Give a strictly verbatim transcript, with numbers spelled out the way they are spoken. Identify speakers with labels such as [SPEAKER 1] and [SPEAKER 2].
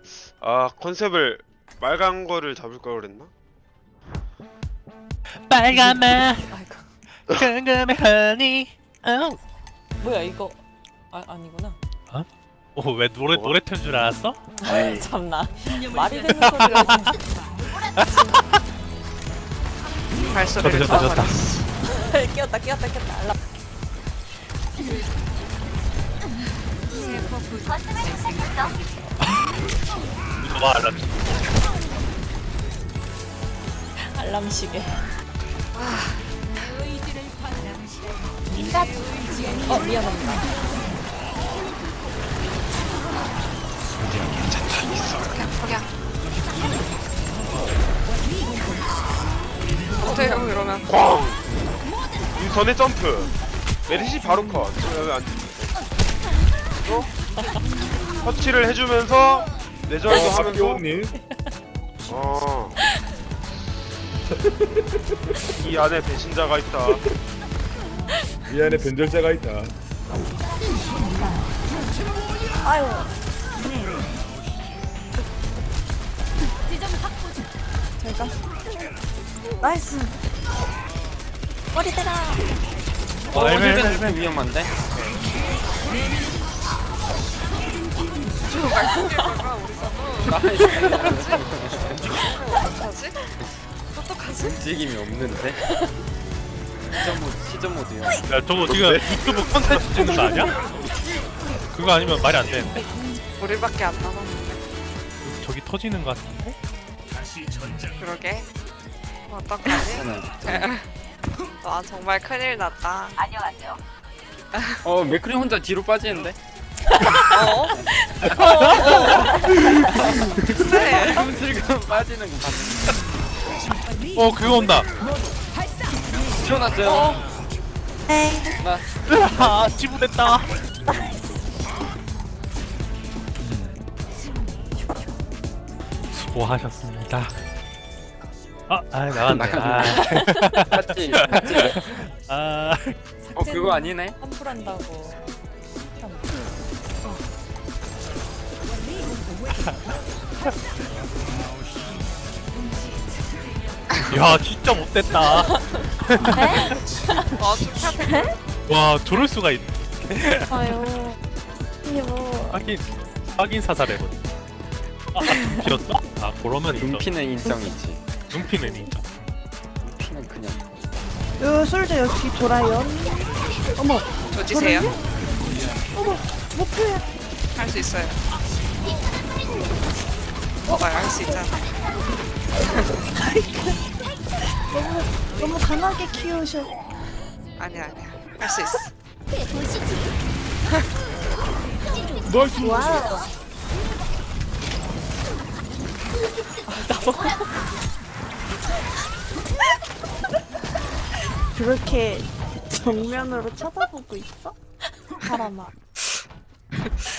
[SPEAKER 1] 아 컨셉을 빨간 거를 잡을 걸 그랬나?
[SPEAKER 2] 빨간맛
[SPEAKER 3] 아이고.
[SPEAKER 2] 궁금해하니. 어.
[SPEAKER 3] 뭐야 이거? 아 아니구나.
[SPEAKER 2] 오, 왜 노래
[SPEAKER 1] 뭐?
[SPEAKER 2] 노래 튼줄 알았어?
[SPEAKER 3] 아이 참나. 말이 되는 소리가 진짜.
[SPEAKER 1] 발소리를
[SPEAKER 2] 좋다, 좋다,
[SPEAKER 1] 잡아버렸어.
[SPEAKER 3] 끼었다 끼었다 끼었다. 알람.
[SPEAKER 2] 와, 알람.
[SPEAKER 3] 알람 시계. 어 미안합니다.
[SPEAKER 4] 어때요 이러면?
[SPEAKER 1] 꽝! 인선의 점프. 메리시 바로 컷. 여기 안 또? 터치를 해주면서 내절도 하면서.
[SPEAKER 5] 박기호님
[SPEAKER 1] 어. 이 안에 배신자가 있다.
[SPEAKER 5] 이 안에 변절자가 있다.
[SPEAKER 3] 아유. 잘가. 나이스. 머리 때라.
[SPEAKER 2] 어, 헬멧,
[SPEAKER 6] 헬멧 위험한데?
[SPEAKER 4] 저 말씀드릴까 우리 서도. 어떡하지? 어떡하지?
[SPEAKER 6] 움직임이 없는데? 시전 모드, 시전 모드야.
[SPEAKER 2] 야, 저거 지금 유튜브 콘텐츠 찍는 거 아니야? 그거 아니면 말이 안 되는데.
[SPEAKER 4] 우리밖에 안 남았는데.
[SPEAKER 2] 저기 터지는 거 같은데?
[SPEAKER 4] 그러게. 어떡하지? 와 정말 큰일 났다.
[SPEAKER 6] 어, 맥크리 혼자 뒤로 빠지는데?
[SPEAKER 4] 어? 네.
[SPEAKER 6] 슬금 빠지는 거 봤는데.
[SPEAKER 2] 어, 그거 온다.
[SPEAKER 6] 튀어났어요. 나,
[SPEAKER 2] 아, 지부됐다. 수고하셨습니다. 아, 아 나갔네. 아,
[SPEAKER 6] 봤지? 봤지?
[SPEAKER 2] 아,
[SPEAKER 6] 어, 그거 아니네?
[SPEAKER 3] 환불한다고.
[SPEAKER 2] 야, 진짜 못됐다.
[SPEAKER 4] 어 축하드려.
[SPEAKER 2] 와, 저럴 수가 있.
[SPEAKER 3] 아유. 이게 뭐.
[SPEAKER 2] 확인, 확인 사살해버리. 아, 눈피였어? 아, 그러면 인정.
[SPEAKER 6] 눈피는 인정이지.
[SPEAKER 2] 눈피는 인정.
[SPEAKER 6] 눈피는 그냥.
[SPEAKER 7] 요 솔저 역시 돌아요. 어머,
[SPEAKER 4] 조지세요.
[SPEAKER 7] 목표야.
[SPEAKER 4] 할 수 있어요. 오빠가 할 수 있잖아.
[SPEAKER 7] 너무 너무 강하게 키우셔.
[SPEAKER 4] 아니야 아니야. 할 수 있어.
[SPEAKER 7] 와우. 그렇게 정면으로 쳐다보고 있어? 사람아.